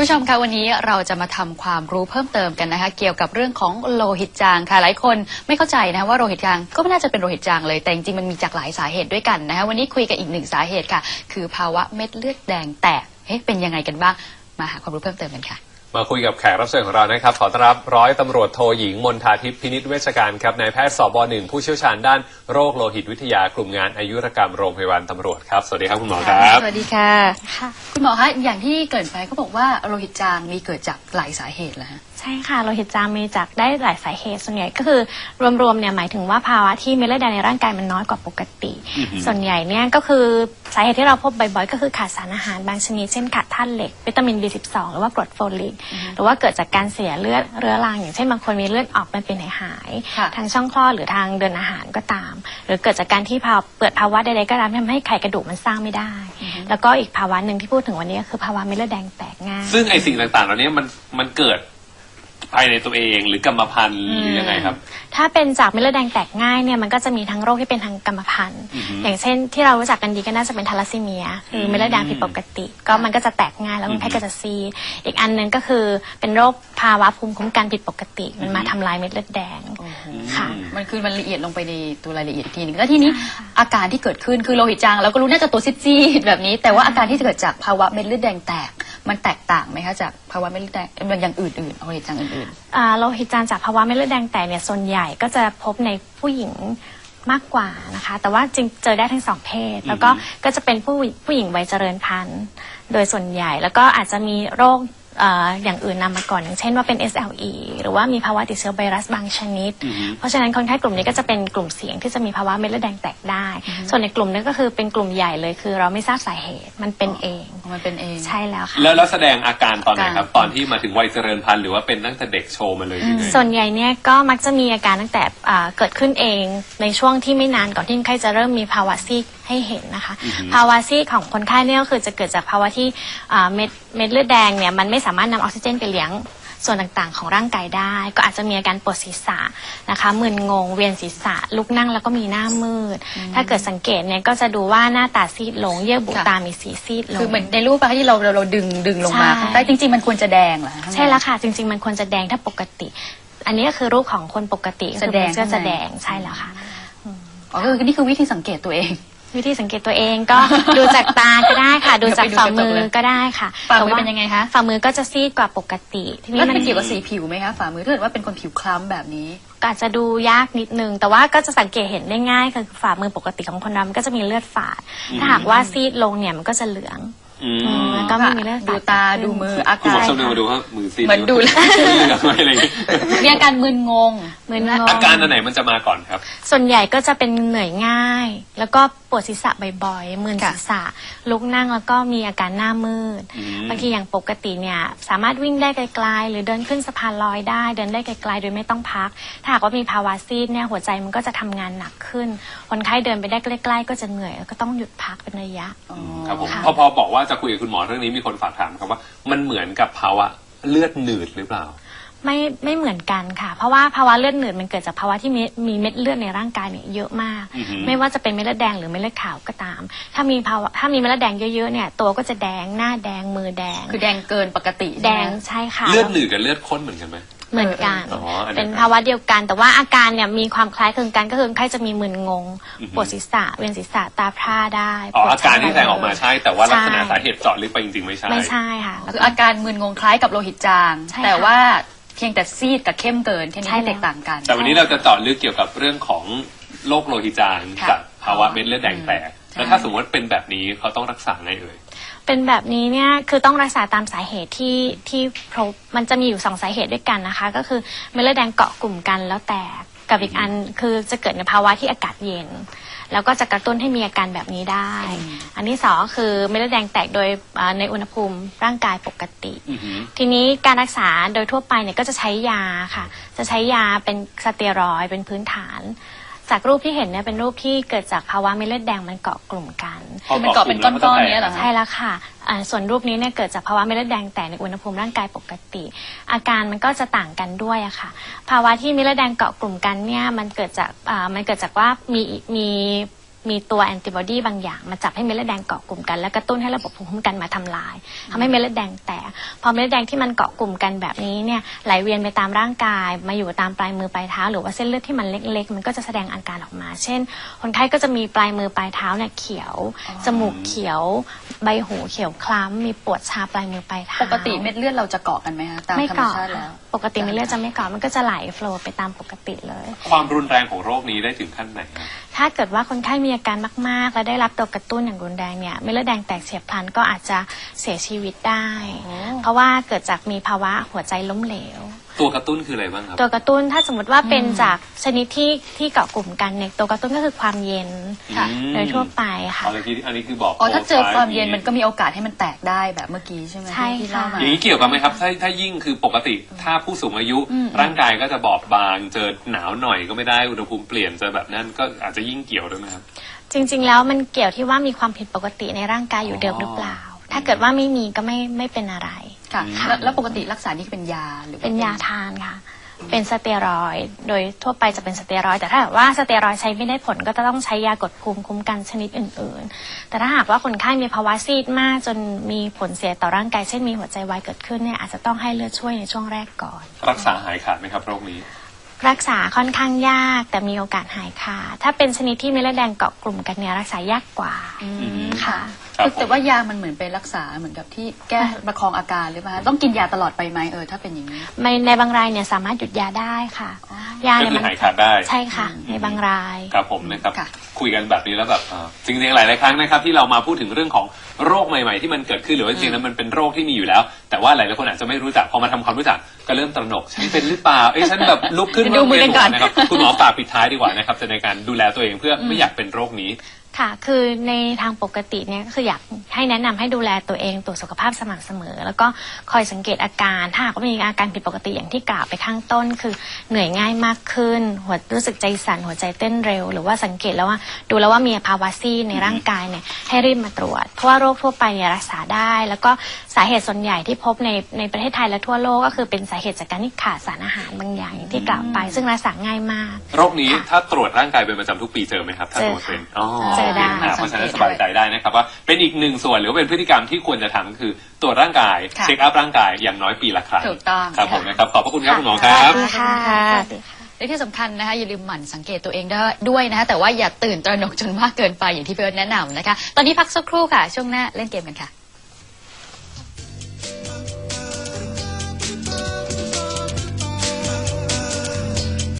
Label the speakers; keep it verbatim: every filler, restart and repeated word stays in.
Speaker 1: ผู้ชมคะวันนี้เราจะมาทำความรู้เพิ่มเติมกันนะคะเกี่ยวกับเรื่องของโลหิตจางค่ะหลายคนไม่เข้าใจนะว่าโลหิตจางก็ไม่น่าจะเป็นโลหิตจางเลยแต่จริงๆมันมีจากหลายสาเหตุด้วยกันนะคะวันนี้คุยกันอีกหนึ่งสาเหตุค่ะคือภาวะเม็ดเลือดแดงแตกเอ๊ะเป็นยังไงกันบ้างมาหาความรู้เพิ่มเติมกันค่ะ
Speaker 2: มาคุยกับแขกรับเชิญของเรานะครับขอต้อนรับร้อยตำรวจโทหญิงมนทาทิพย์พินิจเวชการครับนายแพทย์สบหนึ่งผู้เชี่ยวชาญด้านโรคโลหิตวิทยากลุ่มงานอายุรกรรมโรงพยาบาลตำรวจครับสวัสดีครับคุณหมอครับ
Speaker 1: สวัสดีค่ะคุณหมอคะอย่างที่เกริ่นไปเขาบอกว่าโลหิตจางมีเกิดจากหลายสาเหตุแล้วฮะ
Speaker 3: ใช่ค่ะโลหิตจางมีจากได้หลายสาเหตุส่วนใหญ่ก็คือรวมๆเนี่ยหมายถึงว่าภาวะที่เม็ดเลือดแดงในร่างกายมันน้อยกว่าปกติส่วนใหญ่เนี่ยก็คือสาเหตุที่เราพบบ่อยๆก็คือขาดสารอาหารบางชนิดเช่นขาดธาตุเหล็กวิตามิน บี สิบสอง หรือว่ากรดโฟลิกหรือว่าเกิดจากการเสียเลือดเรื้อรังอย่างเช่นบางคนมีเลือดออกมันเป็นหายๆทางช่องคลอดหรือทางเดินอาหารก็ตามหรือเกิดจากการที่เปิดภาวะใดๆก็ตามทำให้ไขกระดูกมันสร้างไม่ได้แล้วก็อีกภาวะหนึ่งที่พูดถึงวันนี้ก็คือภาวะเม็ดเลือดแดงแตกง่าย
Speaker 2: ซึ่งไอสิ่งต่างๆเหล่านี้มันมันเกิดภายในตัวเองหรือกรรมพันธุ์หรือยังไงครับ
Speaker 3: ถ้าเป็นจากเม็ดเลือดแดงแตกง่ายเนี่ยมันก็จะมีทั้งโรคที่เป็นทางกรรมพันธุ์อย่างเช่นที่เรารู้จักกันดีก็น่าจะเป็นทาลัสซีเมียคือเม็ดเลือดแดงผิดปกติก็มันก็จะแตกง่ายแล้วคนไข้ก็จะซีดอีกอันนึงก็คือเป็นโรคภาวะภูมิคุ้มกันผิดปกติมันมาทำลายเม็ดเลือดแดง
Speaker 1: ค่ะมันคือมันละเอียดลงไปในตัวรายละเอียดทีนึงแล้วทีนี้อาการที่เกิดขึ้นคือโลหิตจางเราก็รู้น่าจะตัวซีดๆแบบนี้แต่ว่าอาการที่เกิดจากภาวะเม็ดเลือดแดงแตกมันแตกต่างไหมคะจากภาวะเม็ดเลือดแดงอย่างอื่นๆโลหิตจางอื่น
Speaker 3: ๆโลหิตจางจากภาวะเม็ดเลือดแดงแตกเนี่ยส่วนใหญ่ก็จะพบในผู้หญิงมากกว่านะคะแต่ว่าจริงเจอได้ทั้งสองเพศแล้วก็ก็จะเป็นผู้ผู้หญิงวัยเจริญพันธุ์โดยส่วนใหญ่แล้วก็อาจจะมีโรคอย่างอื่นนำมาก่อนอย่างเช่นว่าเป็น เอส แอล อี หรือว่ามีภาวะติดเชื้อไวรัสบางชนิดเพราะฉะนั้นคนไข้กลุ่มนี้ก็จะเป็นกลุ่มเสี่ยงที่จะมีภาวะเม็ดเลือดแดงแตกได้ส่วนในกลุ่มนี้ก็คือเป็นกลุ่มใหญ่เลยคือเราไม่ทราบสาเหตุมันเป็นเอง
Speaker 1: มันเป็นเอง
Speaker 3: ใช่แล้วค่ะ
Speaker 2: แล้วแล้วแสดงอาการตอนไหนครับตอนที่มาถึงวัยเจริญพันธุ์หรือว่าเป็นตั้งแต่เด็กโชว์มาเลย
Speaker 3: ส่วนใหญ่เนี่ยก็มักจะมีอาการตั้งแต่เกิดขึ้นเองในช่วงที่ไม่นานก่อนที่คนไข้จะเริ่มมีภาวะซีดให้เห็นนะคะภาวะซีดของคนไข้เนี่ยก็คือจะเกิดจากภาวะที่เม็ดเม็ดเลือดแดงเนี่ยมันไม่สามารถนำออกซิเจนไปเลี้ยงส่วนต่างๆของร่างกายได้ก็อาจจะมีอาการปวดศีรษะนะคะมึนงงเวียนศีรษะลุกนั่งแล้วก็มีหน้ามืดถ้าเกิดสังเกตเนี่ยก็จะดูว่าหน้าตาซีดลงเยื่อบุตามีสีซีดลง
Speaker 1: คือเหมือนในรูปที่เราเราดึงดึงลงมาแต่จริงๆมันควรจะแดงเหรอ
Speaker 3: ใช่แล้วค่ะจริงๆมันควรจะแดงถ้าปกติอันนี้ก็คือรูปของคนปกติ
Speaker 1: แสดง
Speaker 3: ก็จะแดงใช่แล้วค่ะ
Speaker 1: อ๋อคือนี่คือวิธีสังเกตตัวเอง
Speaker 3: วิธีสังเกตตัวเองก็ดูจากตาก็ได้ค่ะดูจากฝ่ามือก็ได้ค่ะ
Speaker 1: ฝ่ามือเป็นยังไงคะ
Speaker 3: ฝ่ามือก็จะซีดกว่าปกติ
Speaker 1: ทีนี้มันเกี่ยวกับสีผิวไหมคะฝ่ามือถ้าเกิดว่าเป็นคนผิวคล้ำแบบนี้
Speaker 3: ก็อาจจะดูยากนิดนึงแต่ว่าก็จะสังเกตเห็นได้ง่ายคือฝ่ามือปกติของคนเรามันก็จะมีเลือดฝาดถ้าหากว่าซีดลงเนี่ยมันก็จะเหลืองแล้วก็ไม่มีเลือด
Speaker 1: ดูตาดูมืออา
Speaker 2: การคุณหมอชมดูว่ามือซีด
Speaker 1: เหมือนดูแล้วมีอาการมึนงง
Speaker 3: มึนงง
Speaker 2: อาการอันไหนมันจะมาก่อนครับ
Speaker 3: ส่วนใหญ่ก็จะเป็นเหนื่อยง่ายแล้วก็ปวดศีรษะบ่อยๆมึนศีรษะลุกนั่งแล้วก็มีอาการหน้ามืดบางทีอย่างปกติเนี่ยสามารถวิ่งได้ไกลๆหรือเดินขึ้นสะพานลอยได้เดินได้ไกลๆโดยไม่ต้องพักถ้าหากว่ามีภาวะซีดเนี่ยหัวใจมันก็จะทำงานหนักขึ้นคนไข้เดินไปได้ใกล้ๆก็จะเหนื่อยแล้วก็ต้องหยุดพักเป็นระยะ
Speaker 2: ครับผมพอพอบอกว่าจะคุยกับคุณหมอเรื่องนี้มีคนฝากถามครับว่ามันเหมือนกับภาวะเลือดหนืดหรือเปล่า
Speaker 3: ไม่ไม่เหมือนกันค่ะเพราะว่าภาวะเลือดหนืดมันเกิดจากภาวะที่มีเม็ดเลือดในร่างกายเนี่ยเยอะมากไม่ว่าจะเป็นเม็ดเลือดแดงหรือเม็ดเลือดขาวก็ตามถ้ามีภาวะถ้ามีเม็ดเลือดแดงเยอะๆเนี่ยตัวก็จะแดงหน้าแดงมือแดง
Speaker 1: คือแดงเกินปกติ
Speaker 3: แดงใช่ค่ะ
Speaker 2: เลือดหนืดกับเลือดข้นเหมือนกันไหม
Speaker 3: เหมือนกันเป็นภาวะเดียวกันแต่ว่าอาการเนี่ยมีความคล้ายคลึงกันก็คือคนไข้จะมีมึนงงปวดศีรษะเวียนศีรษะตาพร่าได้
Speaker 2: อ๋ออาการที่แสดงออกมาใช่แต่ว่าลักษณะสาเหตุเจาะลึกไปจริงๆไม่ใช่
Speaker 3: ไม่ใช่ค่ะ
Speaker 1: คืออาการมึนงงคล้ายกับโลหิตจางแต่ว่าเพียงแต่ซีดกับเข้มเกินแค่นี้แตกต่างกัน
Speaker 2: แต่วันนี้เราจะเจาะลึกเกี่ยวกับเรื่องของโรคโลหิตจางกับภาวะเม็ดเลือดแดงแตกแล้วถ้าสมมติเป็นแบบนี้เขาต้องรักษาไงเอ่ย
Speaker 3: เป็นแบบนี้เนี่ยคือต้องรักษาตามสาเหตุที่ที่พบมันจะมีอยู่สองสาเหตุด้วยกันนะคะก็คือเม็ดเลือดแดงเกาะกลุ่มกันแล้วแตกกับอีกอันคือจะเกิดในภาวะที่อากาศเย็นแล้วก็จะกระตุ้นให้มีอาการแบบนี้ได้อันที่สองคือเม็ดเลือดแดงแตกโดยในอุณหภูมิร่างกายปกติทีนี้การรักษาโดยทั่วไปเนี่ยก็จะใช้ยาค่ะจะใช้ยาเป็นสเตียรอยด์เป็นพื้นฐานจากรูปที่เห็นเนี่ยเป็นรูปที่เกิดจากภาวะเม็ดเลือดแดงมันเกาะกลุ่มกัน
Speaker 1: มันเกาะเป็นก้อนๆนี้เหรอ
Speaker 3: ใช่แล้วค่ะส่วนรูปนี้เนี่ยเกิดจากภาวะเม็ดเลือดแดงแตกในอุณหภูมิร่างกายปกติอาการมันก็จะต่างกันด้วยอะค่ะภาวะที่เม็ดเลือดแดงเกาะกลุ่มกันเนี่ยมันเกิดจากมันเกิดจากว่ามีมีมีตัวแอนติบอดีบางอย่างมาจับให้เม็ดเลือดแดงเกาะกลุ่มกันแล้วกระตุ้นให้ระบบภูมิคุ้มกันมาทำลายทำให้เม็ดเลือดแดงแตกพอเม็ดเลือดแดงที่มันเกาะกลุ่มกันแบบนี้เนี่ยไหลเวียนไปตามร่างกายมาอยู่ตามปลายมือปลายเท้าหรือว่าเส้นเลือดที่มันเล็กๆมันก็จะแสดงอาการออกมาเช่นคนไข้ก็จะมีปลายมือปลายเท้าเนี่ยเขียวจมูกเขียวใบหูเขียวคล้ำมีปวดชาปลายมือปลายเท้า
Speaker 1: ปกติเม็ดเลือดเราจะเกาะกันไหมคะตาม
Speaker 3: ไม่
Speaker 1: ธรรม
Speaker 3: เกาะ
Speaker 1: ชาติแล้ว
Speaker 3: ปกติเม็ดเลือดจะไม่เกาะมันก็จะไหลโฟลว์ไปตามปกติเลย
Speaker 2: ความรุนแรงของโรคนี้ได้ถึงขั้นไหนครับ
Speaker 3: ถ้าเกิดว่าคนไข้มีอาการมากๆ และได้รับตัวกระตุ้นอย่างรุนแรงเนี่ยเม็ดเลือดแดงแตกเฉียบพลันก็อาจจะเสียชีวิตได้ เพราะว่าเกิดจากมีภาวะหัวใจล้มเหลว
Speaker 2: ตัวกระตุ้นคืออะไรบ้างครับ
Speaker 3: ตัวกระตุ้นถ้าสมมติว่าเป็นจากชนิดที่ที่เกาะกลุ่มกันเนี่ยตัวกระตุ้นก็คือความเย็น
Speaker 1: ค่ะ
Speaker 3: โดยทั่วไปค่ะ
Speaker 2: อะไรที่อันนี้คือบอก
Speaker 1: อ๋อถ้าเจอความเย็น
Speaker 2: โปรไฟล์
Speaker 1: มันก็มีโอกาสให้มันแตกได้แบบเมื่อกี้ใช่ไหม
Speaker 3: ใช่
Speaker 1: ที่
Speaker 3: ค่ะ
Speaker 1: เล่ามา
Speaker 2: อย่างนี้เกี่ยวกันไหมครับถ้าถ้ายิ่งคือปกติถ้าผู้สูงอายุ
Speaker 1: อืม
Speaker 2: ร่างกายก็จะบอบบางเจอหนาวหน่อยก็ไม่ได้อุณหภูมิเปลี่ยนเจอแบบนั้นก็อาจจะยิ่งเกี่ยวด้วยไหมครับ
Speaker 3: จริงๆแล้วมันเกี่ยวที่ว่ามีความผิดปกติในร่างกายอยู่เดิมหรือเปล่า ถ้าเกิดว่าไม่มีก็ไม่ไม่เป็นอะไร
Speaker 1: ค่ะ
Speaker 3: ค่ะ
Speaker 1: แล้วแล้วปกติรักษานี่เป็นยาหรือว่
Speaker 3: เป็นยาทานค่ะ เป็นสเตียรอยด์โดยทั่วไปจะเป็นสเตียรอยด์แต่ถ้าหากว่าสเตียรอยด์ใช้ไม่ได้ผลก็จะต้องใช้ยากดภูมิคุ้มกันชนิดอื่นๆ แต่ถ้าหากว่าคนไข้มีภาวะซีดมากจนมีผลเสียต่อร่างกายเช่นมีหัวใจวายเกิดขึ้นเนี่ยอาจจะต้องให้เลือดช่วยในช่วงแรกก่อน
Speaker 2: รักษาหายขาดไหมครับโรคนี้
Speaker 3: รักษาค่อนข้างยากแต่มีโอกาสหายขาดถ้าเป็นชนิดที่เม็ดเลือดแดงเกาะกลุ่มกันเนี่ยรักษายากกว่า
Speaker 1: อืม
Speaker 3: ค่ะ
Speaker 2: ครับ
Speaker 1: คือแต่ว่ายามันเหมือนไปรักษาเหมือนกับที่แก้ประคองอาการหรือเปล่าต้องกินยาตลอดไปไหมเออถ้าเป็นอย่างนี้
Speaker 3: ในในบางรายเนี่ยสามารถหยุดยาได้ค่ะ
Speaker 1: อ๋
Speaker 3: ยา
Speaker 2: ก็
Speaker 3: เนี่ย
Speaker 2: คือ
Speaker 3: มัน
Speaker 2: หายขาดได้
Speaker 3: ใช่ค่ะ ในบางราย
Speaker 2: ครับผมนะครับ
Speaker 1: ค่ะ
Speaker 2: คุยกันแบบนี้แล้วแบบเอ่อจริงๆหลายๆครั้งนะครับที่เรามาพูดถึงเรื่องของโรคใหม่ๆที่มันเกิดขึ้นหรือว่าจริงๆแล้วมันเป็นโรคที่มีอยู่แล้ว แต่ว่าหลายๆคนอาจจะไม่รู้จักพอมาทำความรู้จักก็เริ่มตระหนกฉันเป็นหรือเปล่าเอ้ยฉันแบบลุกขึ้น
Speaker 1: ดูมือกันก่อน
Speaker 2: นะครับคุณหมอฝากปิดท้ายดีกว่านะครับจะในการดูแลตัวเองเพื่อไม่อยากเป็นโรคนี้
Speaker 3: ค่ะ คือในทางปกติเนี่ยก็คืออยากให้แนะนำให้ดูแลตัวเองตรวจสุขภาพสม่ำเสมอ แล้วก็คอยสังเกตอาการ ถ้าหากว่ามีอาการผิดปกติอย่างที่กล่าวไปข้างต้น คือเหนื่อยง่ายมากขึ้น หัวรู้สึกใจสั่นหัวใจเต้นเร็ว หรือว่าสังเกตแล้วว่าดูแล้วว่ามีภาวะซีดในร่างกายเนี่ยให้รีบมาตรวจ เพราะว่าโรคทั่วไปเนี่ยรักษาได้ แล้วก็สาเหตุส่วนใหญ่ที่พบในในประเทศไทยและทั่วโลกก็คือเป็นสาเหตุจากการที่ขาดสารอาหารบางอย่างอย่างที่กล่าวไป ซึ่งรักษาง่ายมาก
Speaker 2: โรคนี้ถ้าตรวจร่างกายเป็นประจำทุกปีเจอไหมครับถ้าตรวจเป็นอ๋อ
Speaker 3: เจอได้
Speaker 2: เพราะฉะนั้นสบายใจได้นะครับว่าเป็นอีกหนึ่งส่วนหรือว่าเป็นพฤติกรรมที่ควรจะทำคือตรวจร่างกาย
Speaker 1: ค่ะ
Speaker 2: เช็คอัพร่างกายอย่างน้อยปีละครั้ง
Speaker 1: ถูกต้อง
Speaker 2: ครับผม
Speaker 1: ค่ะ
Speaker 2: นะครับขอบพระคุณครับคุณหมอครับ
Speaker 3: สวัสดีค่ะ
Speaker 1: ค่ะ
Speaker 3: สวัสดีค่ะ
Speaker 1: และที่สำคัญนะคะอย่าลืมหมั่นสังเกตตัวเองด้วยนะคะแต่ว่าอย่าตื่นตระหนกจนมากเกินไปอย่างที่พี่เอิร์ธแนะนำนะคะ ตอนนี้พักสักครู่ค่ะ ช่วงหน้าเล่นเกมกันค่ะ